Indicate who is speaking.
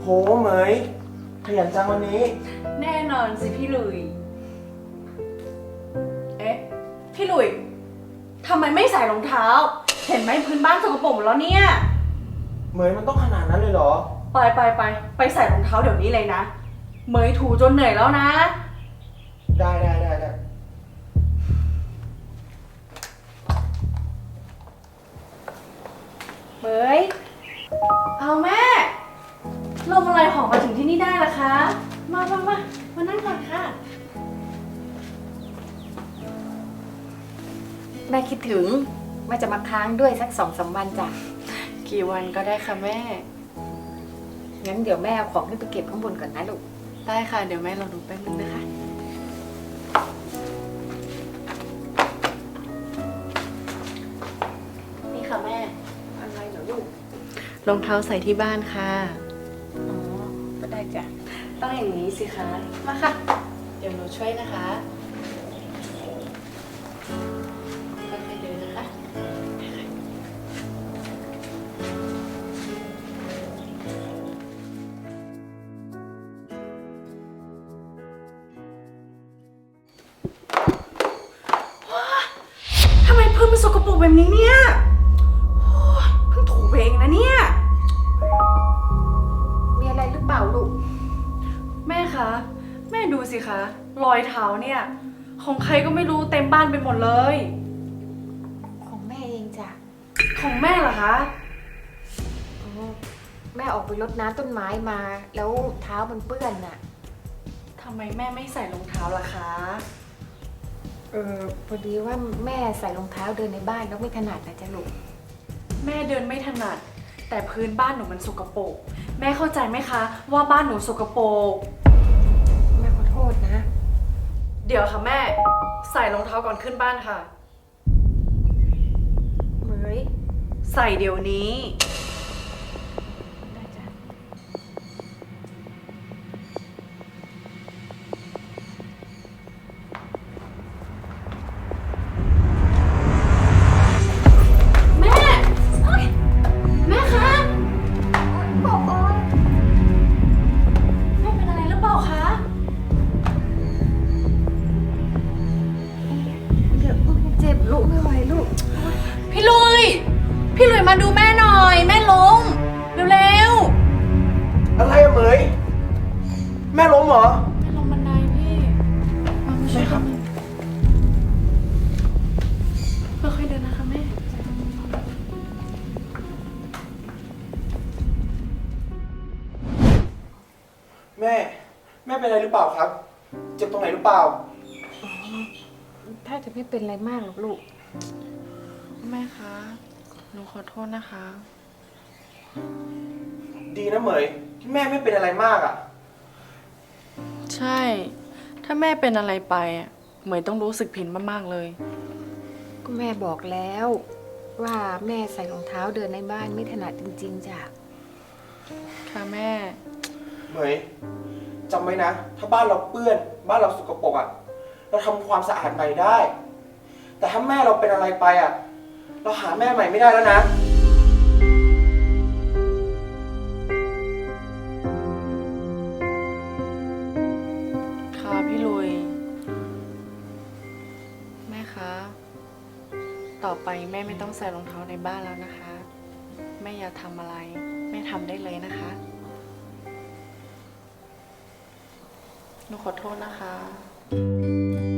Speaker 1: โหเหมยขยันจังวันนี้
Speaker 2: แน่นอนสิพี่หลุยเอ๊ะพี่หลุยทำไมไม่ใส่รองเท้าเห็นไหมพื้นบ้านสกปรกหมดแล้วเนี่ย
Speaker 1: เหมยมันต้องขนาดนั้นเลยเหรอ
Speaker 2: ไปใส่รองเท้าเดี๋ยวนี้เลยนะเหมยถูจนเหนื่อยแล้วนะ
Speaker 1: ได้
Speaker 2: เหมยเอาแม่ลมอะไรหอมมาถึงที่นี่ได้ล่ะคะมานั่งก่อนค่ะ
Speaker 3: แม่คิดถึงแม่จะมาค้างด้วยสัก2-3 วันจ้ะ
Speaker 2: กี่วันก็ได้ค่ะแม่
Speaker 3: งั้นเดี๋ยวแม่เอาของขึ้นไปเก็บข้างบนก่อนนะลูก
Speaker 2: ได้ค่ะเดี๋ยวแม่รอดูแป๊บนึงนะคะนี่ค่ะแม่
Speaker 3: อะไรเหรอลูก
Speaker 2: รองเท้าใส่ที่บ้านค่ะ
Speaker 3: อ๋อก็ได้จ้ะ
Speaker 2: ต้องอย่างนี้สิคะมาค่ะเดี๋ยวหนูช่วยนะคะค่อยๆเดินนะคะทำไมเพิ่มมันสกปรกแบบนี้เนี่ยเพิ่งถูเองนะเนี่ย
Speaker 3: มีอะไรหรือเปล่าลูก
Speaker 2: แม่คะแม่ดูสิคะรอยเท้าเนี่ยของใครก็ไม่รู้เต็มบ้านไปหมดเลย
Speaker 3: ของแม่เองจ้ะ
Speaker 2: ของแม่เหรอคะ
Speaker 3: อ๋อแม่ออกไปรดน้ำต้นไม้มาแล้วเท้ามันเปื้อนน่ะ
Speaker 2: ทำไมแม่ไม่ใส่รองเท้าล่ะคะ
Speaker 3: พอดีว่าแม่ใส่รองเท้าเดินในบ้านแล้วไม่ถนัดนะจ๊ะลูก
Speaker 2: แม่เดินไม่ถนัดแต่พื้นบ้านหนูมันสกปรกแม่เข้าใจไหมคะว่าบ้านหนูสกปรก
Speaker 3: แม่ขอโทษนะ
Speaker 2: เดี๋ยวค่ะแม่ใส่รองเท้าก่อนขึ้นบ้านค่ะ
Speaker 3: เหมย
Speaker 2: ใส่เดี๋ยวนี้
Speaker 3: ได้จ้ะ
Speaker 2: แม่แม่คะแม่เป็นอะไรหรือเปล่าคะ
Speaker 3: เดี๋ยวเจ็บลูกไม่ไหวลูก
Speaker 2: พี่ลุยมาดูแม่หน่อยแม่ล้มเร็ว
Speaker 1: อะไรอะเหมยแม่ล้มเหรอ
Speaker 2: แม่ลงบันไดพี่มาช่วยครับค่อยๆเดินนะคะแม่
Speaker 1: แม่เป็นอะไรหรือเปล่าครับเจ็บตรงไหนหรือเปล่า
Speaker 3: ถ้าจะไม่เป็นอะไรมากหรอกลูก
Speaker 2: แม่คะหนูขอโทษนะคะ
Speaker 1: ดีนะเหมยที่แม่ไม่เป็นอะไรมากอ่ะ
Speaker 2: ใช่ถ้าแม่เป็นอะไรไปอ่ะเหมยต้องรู้สึกผิดมากๆเลย
Speaker 3: ก็แม่บอกแล้วว่าแม่ใส่รองเท้าเดินในบ้านไม่ถนัดจริงๆจ้ะ
Speaker 2: ค่ะแม่
Speaker 1: เหมยจำไว้นะถ้าบ้านเราเปื้อนบ้านเราสกปรกอ่ะเราทำความสะอาดใหม่ได้แต่ถ้าแม่เราเป็นอะไรไปอ่ะเราหาแม่ใหม่ไม่ได้แล้วนะ
Speaker 2: ค่ะพี่ลุยแม่คะต่อไปแม่ไม่ต้องใส่รองเท้าในบ้านแล้วนะคะแม่อยากทำอะไรแม่ทำได้เลยนะคะหนูขอโทษนะคะ